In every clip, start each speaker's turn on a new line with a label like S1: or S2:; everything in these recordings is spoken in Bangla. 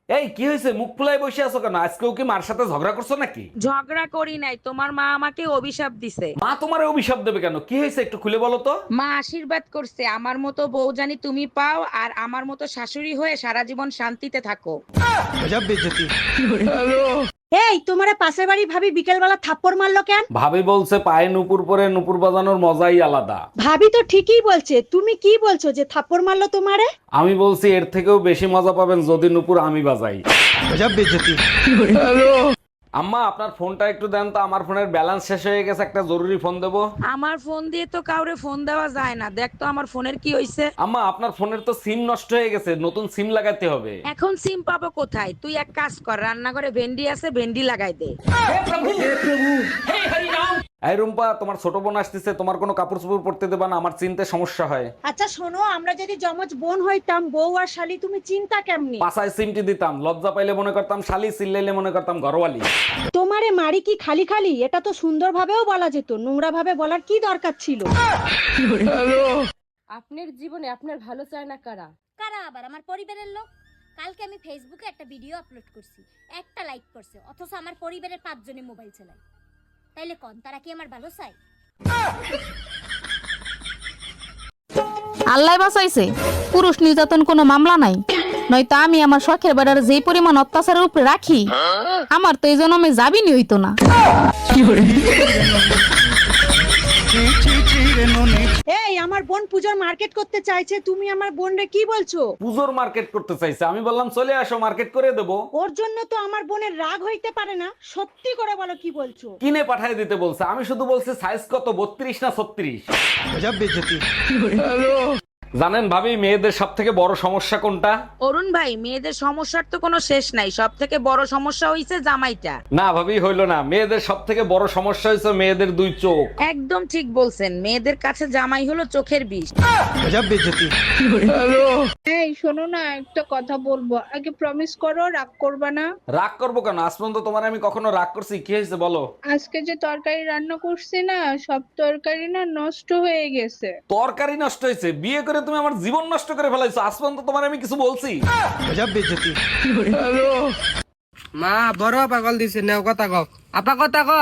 S1: এই কি হয়েছে, মুখ ফুলাই বসে আছো কেন? আজকেও কি মার সাথে ঝগড়া করছো নাকি?
S2: ঝগড়া করি নাই, তোমার মা আমাকে অভিশাপ দিছে।
S1: মা তোমারে অভিশাপ দেবে কেন? কি হয়েছে একটু খুলে বলো তো।
S2: মা আশীর্বাদ করছে আমার মতো বউ জানি তুমি পাও, আর আমার মতো শাশুড়ি হয়ে সারা জীবন শান্তিতে থাকো।
S3: এই তোমারে পাশের বাড়ি ভাবি বিকেল বেলা থাপ্পড় মারলো কেন?
S1: ভাবি বলছে পায়ে নুপুর পরে নুপুর বাজানোর মজাই আলাদা।
S3: ভাবি তো ঠিকই বলছে, তুমি কি বলছো যে থাপ্পড় মারলো তোমারে?
S1: আমি বলছি এর থেকেও বেশি মজা পাবেন যদি নুপুর আমি বাজাই। আম্মা আপনার ফোনটা একটু দেন তো, আমার ফোনের ব্যালেন্স শেষ হয়ে গেছে, একটা জরুরি ফোন দেবো।
S2: আমার ফোন দিয়ে তো কাউরে ফোন দেওয়া যায় না, দেখ তো আমার ফোনের কি হইছে।
S1: আম্মা আপনার ফোনের তো সিম নষ্ট হয়ে গেছে, নতুন সিম লাগাতে হবে।
S2: এখন সিম পাবো কোথায়? তুই এক কাজ কর, রান্নাঘরে ভেন্ডি আছে, ভেন্ডি লাগাই দে।
S1: এই রুম্পা, তোমার ছোট বোন আসতেছে, তোমার কোনো কাপড় চোপড় পরতে দেবা না, আমার চিনতে সমস্যা হয়।
S3: আচ্ছা শোনো, আমরা যদি জমজ বোন হইতাম, বউ আর শালি, তুমি চিন্তা কেমনি?
S1: পাছায় সিমটি দিতাম, লজ্জা পাইলে মনে করতাম শালি, চিল্লাইলে মনে করতাম ঘরওয়ালি।
S3: তোমারে মারি কি খালি খালি? এটা তো সুন্দর ভাবেও বলা যেত, নোংরা ভাবে বলার কি দরকার ছিল?
S4: আপনার জীবনে আপনার ভালো চায় না কারা?
S5: কারা আবার? আমার পরিবারের লোক। কালকে আমি ফেসবুকে একটা ভিডিও আপলোড করছি, একটা লাইক করছে, অথচ আমার পরিবারের 5 জনে মোবাইল চালায়। তাইলে কোন তারা কি আমার ভালো চায়?
S6: আল্লাহ বাঁচাইছে, পুরুষ নির্যাতন কোনো মামলা নাই, নয়তো আমি আমার শখের বেড়ার যেই পরিমাণ অত্যাচারের উপরে রাখি, আমার তো এই জন্মে যাবিনি হইতো না।
S3: এই আমার বোন পূজোর মার্কেট করতে চাইছে, তুমি আমার বোনরে কি বলছো?
S1: পুজোর মার্কেট করতে চাইছে, আমি বললাম চলে আসো, মার্কেট করে দেবো।
S3: ওর জন্য তো আমার বোনের রাগ হইতে পারে না, সত্যি করে বলো কি বলছো?
S1: কিনে পাঠায় দিতে বলছে, আমি শুধু বলছি সাইজ কত, 32 না 36। জানেন ভাবি, মেয়েদের সব থেকে বড় সমস্যা কোনটা?
S2: অরুণ ভাই, মেয়েদের সমস্যার তো কোনো শেষ নাই, সব থেকে বড় সমস্যা হইছে জামাইটা।
S1: না ভাবি, হইলো না, মেয়েদের সব থেকে বড় সমস্যা হয়েছে মেয়েদের 2 চোখ।
S2: একদম ঠিক বলছেন, মেয়েদের কাছে জামাই হলো চোখের বিষ।
S7: এই শোনো না, একটা কথা বলবো, আগে প্রমিস করো রাগ করবা না।
S1: রাগ করবো কেন? আজ পর্যন্ত তোমার আমি কখনো রাগ করছি? কি হয়েছে বলো।
S7: আজকে যে তরকারি রান্না করছি না, সব তরকারি না নষ্ট হয়ে গেছে।
S1: তরকারি নষ্ট হয়েছে? বিয়ে করে তুমি আমার জীবন নষ্ট করে ফেলাইছো, আজ পর্যন্ত তোমার আমি কিছু বলছি?
S8: মা বড় পাগল দিছে, নেও কথা কও। আপা কথা ক।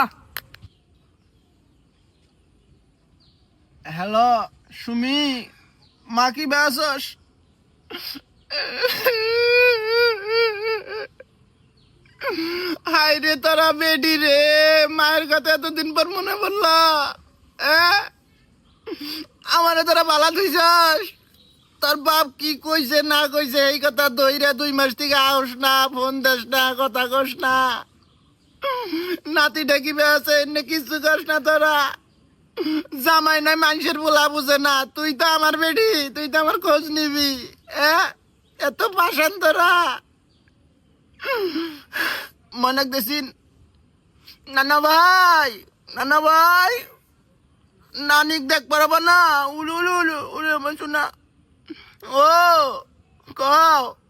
S9: হ্যালো সুমি, মা কি বেসস? হাই রে তোরা বেডি রে, মায়ের কথা এতদিন পর মনে পড়লা। আমারে তোরা বালা দিছস। তোর বাপ কি কইছে না কইছে এই কথা দইরা 2 মাস থেকে আউস না, ফোন দেস না, কথা কস না। নাতি ডাকিবে আছে এনে কিছু কস না তোরা। জামাই নাই মানুষের বলা বুঝে না, তুই তো আমার বেডি, তুই তো আমার খোঁজ নিবি। এত পাশান তোরা। মনে দেখিন নানা ভাই, নানা ভাই, নানিক দেখ পারবা না? উলু উলু উলু উলু আমার শোনা। ও কও